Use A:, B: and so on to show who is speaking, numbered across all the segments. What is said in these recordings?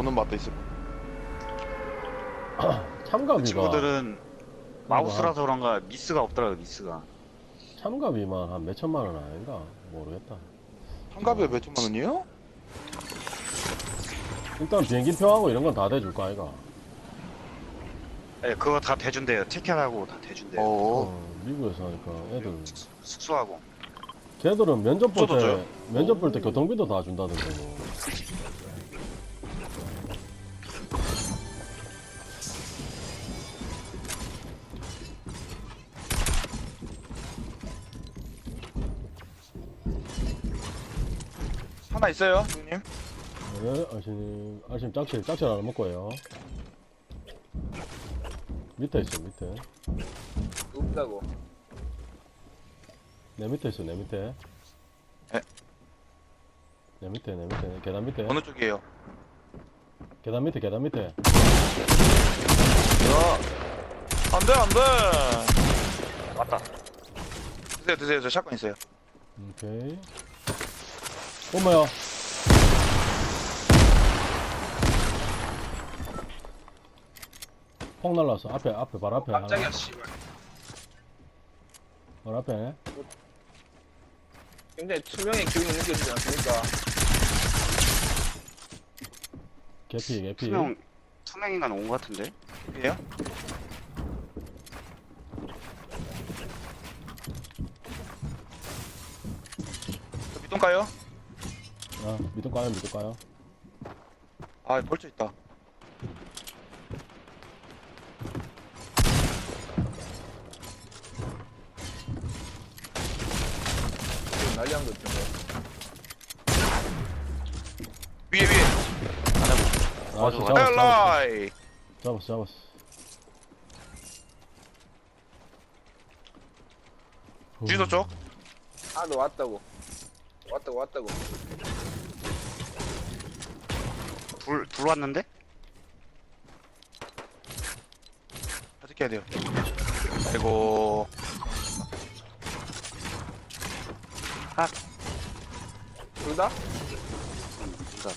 A: 보는 맛도 있을
B: 참가비가
C: 친구들은 마우스라서 그런가 미스가 없더라고요. 미스가.
B: 참가비만 한 몇천만 원 아닌가 모르겠다.
A: 참가비가 몇 천만 원이에요?
B: 일단 비행기표하고 이런 건 다 대줄 거 아이가.
C: 네, 그거 다 대준대요. 티켓하고 다 대준대요.
B: 미국에서 하니까 애들
C: 숙소하고.
B: 걔들은 면접 볼
A: 숙소도
B: 때
A: 줘요?
B: 면접 볼 때 교통비도 다 준다던데 뭐.
A: 하나 있어요, 누님?
B: 네, 아심 짝칠 하나 먹고요. 밑에 있어 밑에.
D: 없다고.
B: 내 밑에 있어 내 밑에.
A: 네.
B: 내 밑에 계단 밑에.
A: 어느 쪽이에요?
B: 계단 밑에.
A: 야, 안 돼, 안 돼.
C: 맞다.
A: 드세요. 저 샷건 있어요.
B: 오케이. 어머야. 폭 날랐어. 앞에 바로 앞에.
D: 깜짝이야,
B: 하나.
D: 씨발.
B: 바로 앞에.
D: 굉장히 투명의 기운이 느껴지지 않습니까?
B: 개피.
C: 투명 인간 온 것 같은데.
A: 이에요? 저 밑동 가요?
B: 아, 밑도 까요.
A: 아, 벌써 있다.
D: 지금 난리한 것 같은데.
A: 위에.
B: 아,
C: 맞아.
A: 헬라이.
B: 잡았어.
A: 주유소 쪽?
D: 아, 너 왔다고. 왔다고.
C: 둘 왔는데?
A: 어떻게 해야 돼요? 아이고.
D: 둘 다?
C: 둘 다.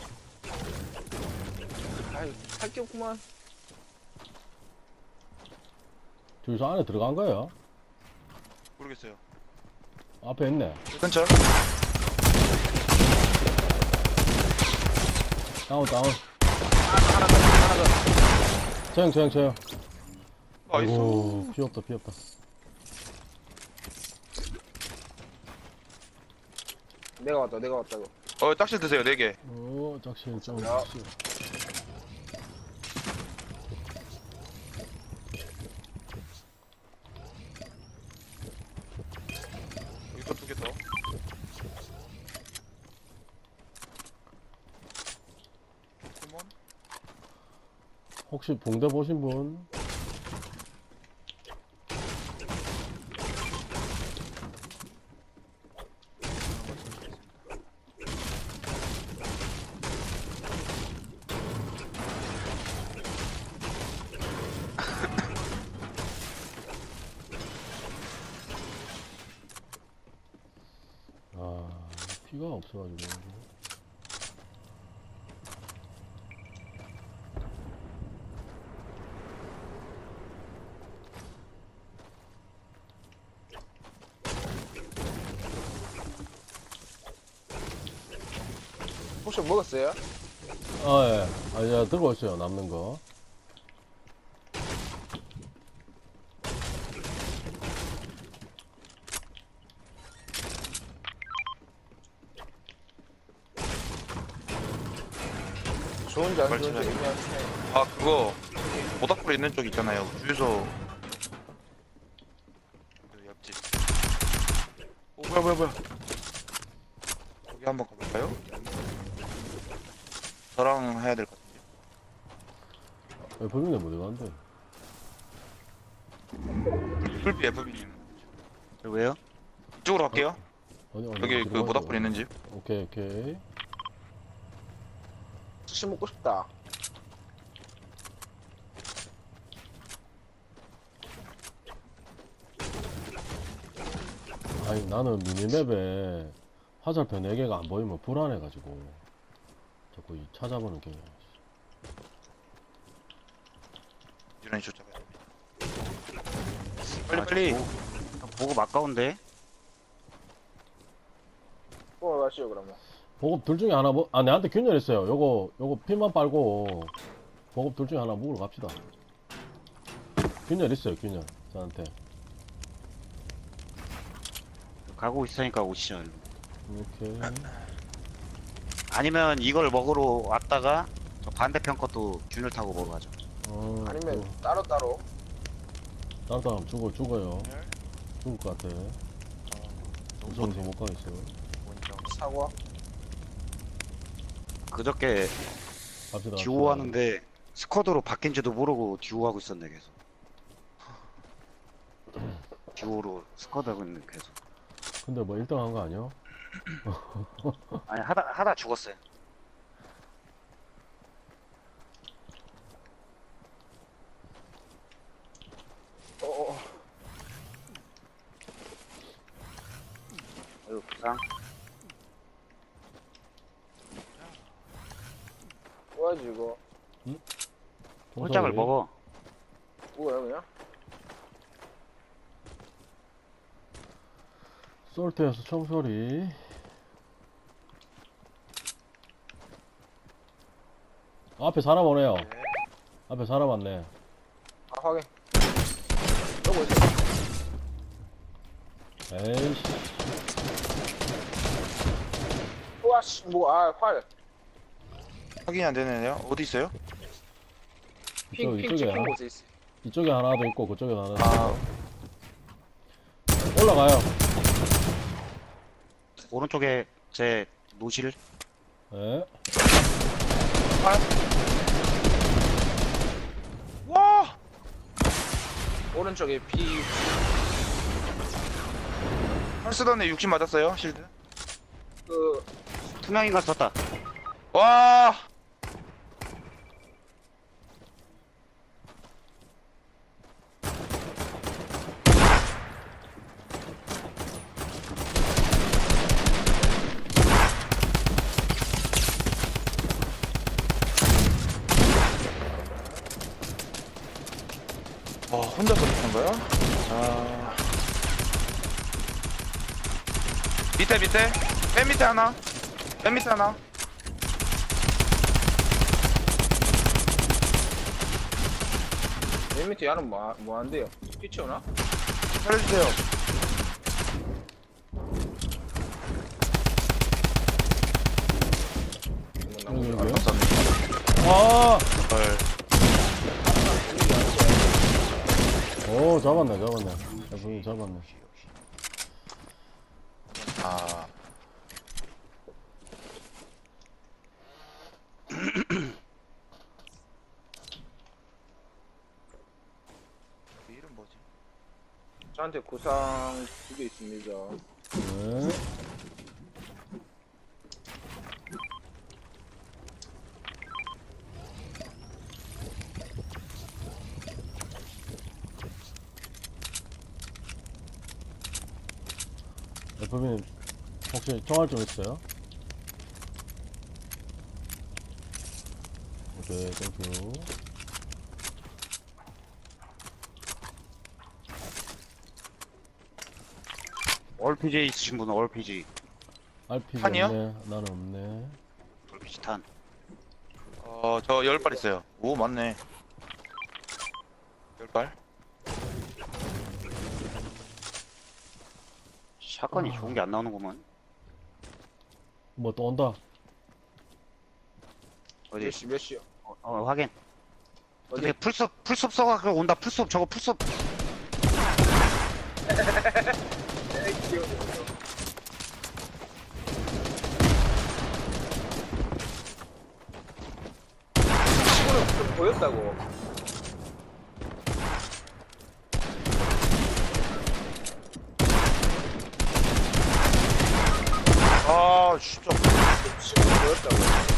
D: 아이, 할 게 없구만.
B: 주유소 안에 들어간 거예요?
A: 모르겠어요.
B: 앞에 있네.
A: 근처?
B: 다운.
D: 하나 더.
B: 저형.
A: 나이스.
B: 아이고, 피 없다.
D: 내가 왔다고.
A: 딱실 드세요, 4개.
B: 짝실 좀.
D: 야.
A: 여기서 2개 더. 포켓몬?
B: 혹시 붕대 보신 분? 아, 피가 없어가지고.
D: 혹시 먹었어요?
B: 아, 예. 아, 예, 들고 있어요, 남는 거.
D: 좋은지 안 좋은지
A: 말씀해.
D: 애매한 차이.
A: 아, 그거 모닥불 있는 쪽 있잖아요. 주유소 그 옆집. 오, 뭐야. 거기 한번 가볼까요? 저랑 해야 될 것 같은데.
B: FB인데 못 들어간대.
A: 풀비 FB님.
C: 왜요?
A: 이쪽으로 갈게요.
B: 어디,
A: 여기 그
B: 들어가세요.
A: 모닥불 있는 집.
B: 오케이.
D: 수시 먹고 싶다.
B: 아니, 나는 미니맵에 화살표 4개가 안 보이면 불안해가지고 자꾸 찾아보는 게
A: 안전에 쫓아가야 됩니다.
C: 아,
A: 빨리.
C: 보급 아까운데?
D: 가시죠 그러면.
B: 보급 둘 중에 하나 내한테 균열했어요. 요거 피만 빨고 보급 둘 중에 하나 묵으러 갑시다. 균열 있어요, 균열. 저한테.
C: 가고 있으니까 오시죠.
B: 이렇게.
C: 아니면 이걸 먹으러 왔다가 저 반대편 것도 균을 타고 먹어가죠.
D: 아니면
B: 또
D: 따로.
B: 다른 사람 죽어요. 죽을 것 같아. 무서워서 못 가겠어요.
D: 사과.
C: 그저께
B: 갑시다.
C: 듀오 하는데 스쿼드로 바뀐지도 모르고 듀오 하고 있었네 계속. 듀오로 스쿼드 하고 있는 계속.
B: 근데 뭐 1등 한 거 아니야?
C: 아니 하다 죽었어요. 아유 부상.
D: 뭐야지 이거?
C: 홀짝을 먹어.
D: 뭐야 그냥?
B: 솔트에서 총소리. 앞에 사람 오네요. 앞에 사람 왔네.
D: 아 확인. 여기 있어.
B: 에이씨.
D: 와씨 활.
A: 확인이 안 되네요. 어디 있어요?
D: 핑
B: 이쪽에
D: 찍힌
B: 하나,
D: 곳에 있어.
B: 이쪽에 하나도 있고 그쪽에 하나도 있고.
A: 아,
B: 올라가요.
C: 오른쪽에 제 노실.
B: 예.
A: 와!
D: 오른쪽에 비.
A: 헐스던에 60 맞았어요, 실드.
D: 그
C: 투명인간 썼다.
A: 와! 혼자서 붙은 거야? 자. 밑에. 맨 밑에 하나. 맨 밑에 하나.
D: 맨 밑에 야는 뭐 한대요? 피치오나?
A: 살려주세요.
B: 여기요?
A: 감사합니다.
B: 아!
A: 헐.
B: 오, 잡았네. 분이 잡았네.
A: 아. 이름 뭐지?
D: 저한테 구상 2개 있습니다.
B: 네. FB님 혹시 총알 좀 있어요? 오케이, 땡큐.
C: 얼PG 있으신 분은 얼PG.
B: RPG
A: 탄이요?
B: 없네. 나는 없네.
C: 얼PG 탄.
A: 저 10발 있어요. 오, 맞네. 10발?
C: 샷건이 좋은 게 안 나오는구만.
B: 뭐 또 온다.
C: 어디?
D: 몇 시요?
C: 확인.
D: 어디?
C: 어디 풀숲 써가지고 온다. 풀숲 저거 풀숲.
D: 에이 귀여워. 친구는 좀 보였다고.
A: 아, 진짜.
D: 친구는 보였다고.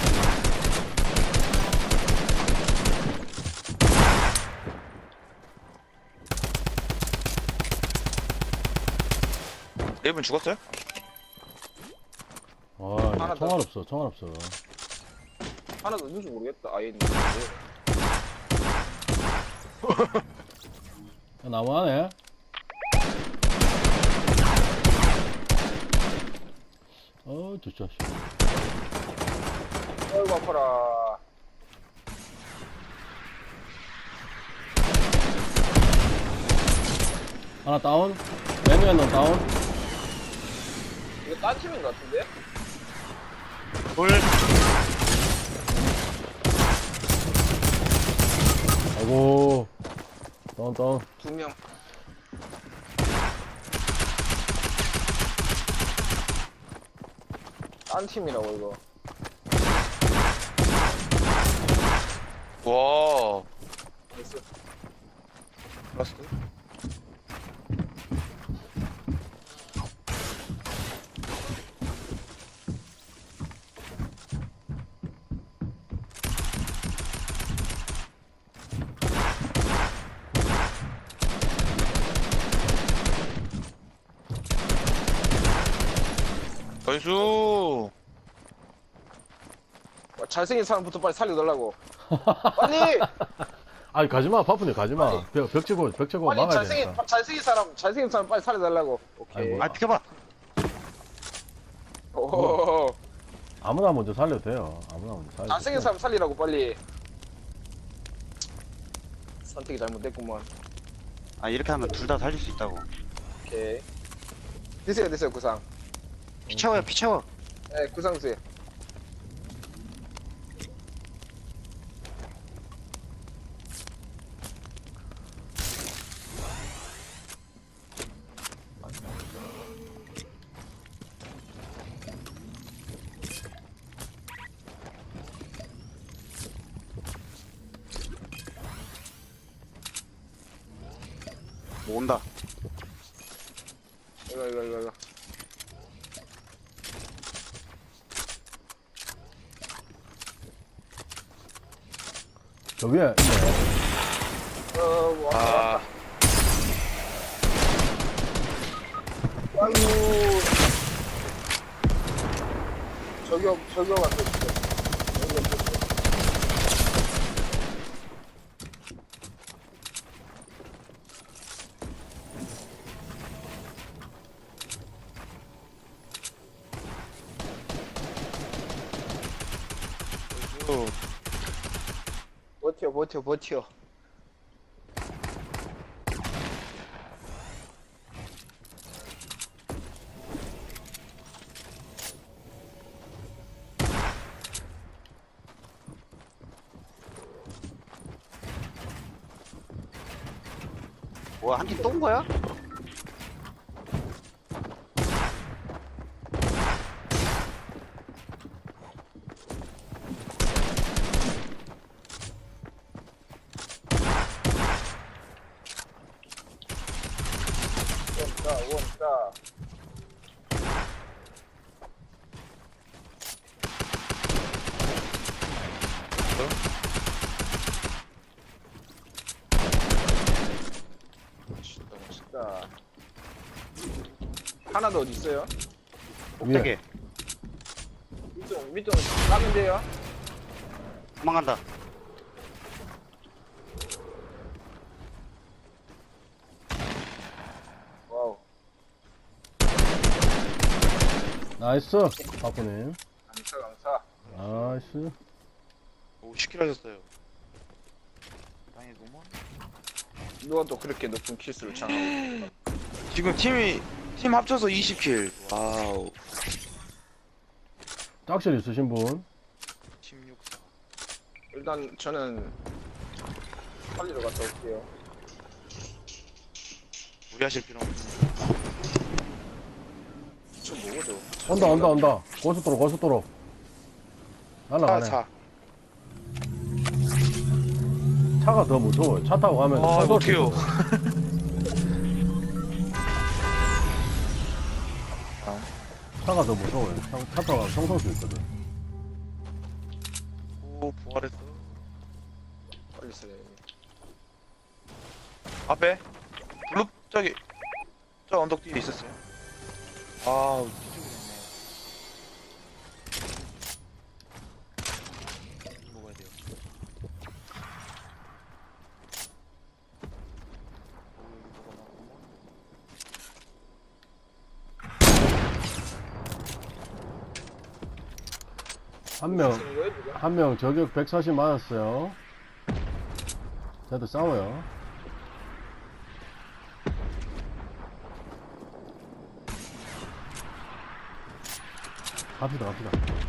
A: 네 분 죽었어요?
B: 아,
D: 하나 더.
B: 총알 없어.
D: 하나 더 있는지 모르겠다. 아예 있는지.
B: 나무 안에. 저 자식.
D: 어이구 아파라.
B: 하나 다운. 메뉴에 는 다운.
D: 이거 딴 팀인 것 같은데?
C: 돌.
B: 아이고. 다운.
D: 2명. 딴 팀이라고 이거.
A: 와.
D: 나이스.
A: 라스트. 나이스.
D: 잘생긴 사람부터 빨리 살려달라고. 빨리!
B: 아니, 가지마. 바쁘네, 가지마.
D: 아니.
B: 벽 치고
D: 빨리
B: 막아야 되니까.
D: 잘생긴 사람 빨리 살려달라고. 오케이.
B: 아이고.
C: 아 비켜봐.
D: 오,
B: 아무나 먼저 살려도 돼요. 아무나 먼저 살려도
D: 잘생긴
B: 돼요.
D: 사람 살리라고 빨리. 선택이 잘못됐구만.
C: 아 이렇게 하면 둘 다 살릴 수 있다고.
D: 오케이. 드세요, 구상.
C: 피 채워요 피 채워.
D: 네, 구상 드세요.
C: 뭐 온다.
D: 이거.
B: 저 위에 있네.
D: 왔다.
A: 아.
D: 아이고. 저격 안 돼, 진짜. 저격 안 돼. 버텨.
C: 뭐야 한 팀 또 온 거야?
D: 원다. 멋있다. 하나 더 어디 있어요?
C: 꼭대기.
D: 밑동 까면 돼요.
C: 도망간다.
D: 와우.
B: 나이스. 바쁘님.
D: 감사.
B: 나이스.
A: 오 10킬 하셨어요. 땅이 너무.
D: 누가 또 그렇게 높은 킬수를 장하고.
A: 지금 팀 합쳐서 20킬. 와우.
B: 짝실 있으신 분?
A: 16사.
D: 일단 저는 살리러 갔다 올게요.
A: 무리하실 필요 없어.
D: 저 뭐죠?
B: 온다. 고속도로. 날라가네.
A: 차.
B: 차가 더 무서워요. 차 타고 가면.
A: 아,
B: 쏠 수
A: 어떡해요.
B: 있거든. 차가 더 무서워요. 차 타고 가면 총 쏠 수 있거든.
A: 오 부활했어.
D: 빨리 써야 돼.
A: 앞에 블루 저기 저 언덕 뒤에 있었어요. 아 뒤쪽에 있네. 먹어야 돼요.
B: 한 명 저격 140 맞았어요. 쟤들 싸워요. 갑시다.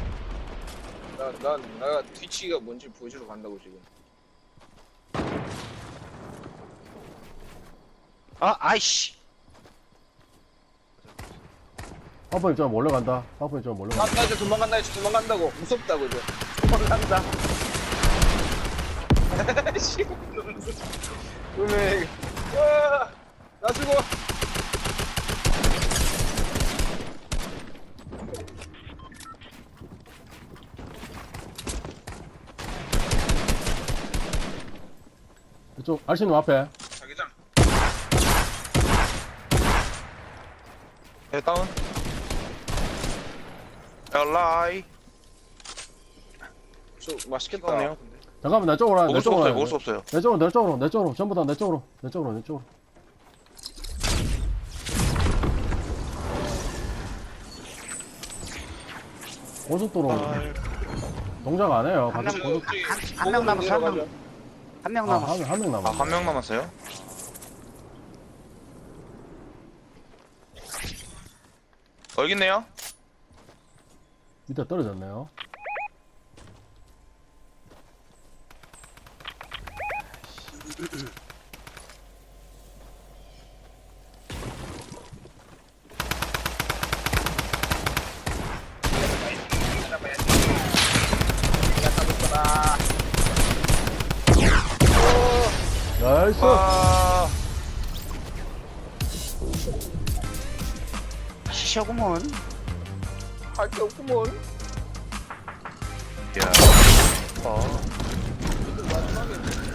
D: 나 뒤치기가 뭔지 보여주러 간다고 지금.
C: 아, 아이씨.
B: 파프님 저 몰래 간다. 파프님 저 몰래 간다.
D: 나 이제 도망간다고. 무섭다고 이제. 도망간다. 씨. 음에 와, 나 죽어.
B: 이쪽 알신님 앞에.
D: 자기장.
A: 네, 다운. 엘라이.
D: 저 맛있겠다.
A: 뜨겁네요. 근데.
B: 잠깐만 내 쪽으로 와요.
A: 먹을 수 없어요. 먹을 수 없어요.
B: 내 쪽으로. 전부 다 내 쪽으로. 고속도로 동작 안 해요.
C: 한
B: 같이
C: 명,
B: 고속.
C: 한 명 남았어, 한 명. 한 명 남았어.
B: 한 명
A: 아,
B: 남았어.
A: 한 명 남았어요? 여기 있네요.
B: 밑에 떨어졌네요. 나이스.
A: 아,
C: 시셔구먼.
D: 할게 없구먼.
A: 야.
D: 마지막에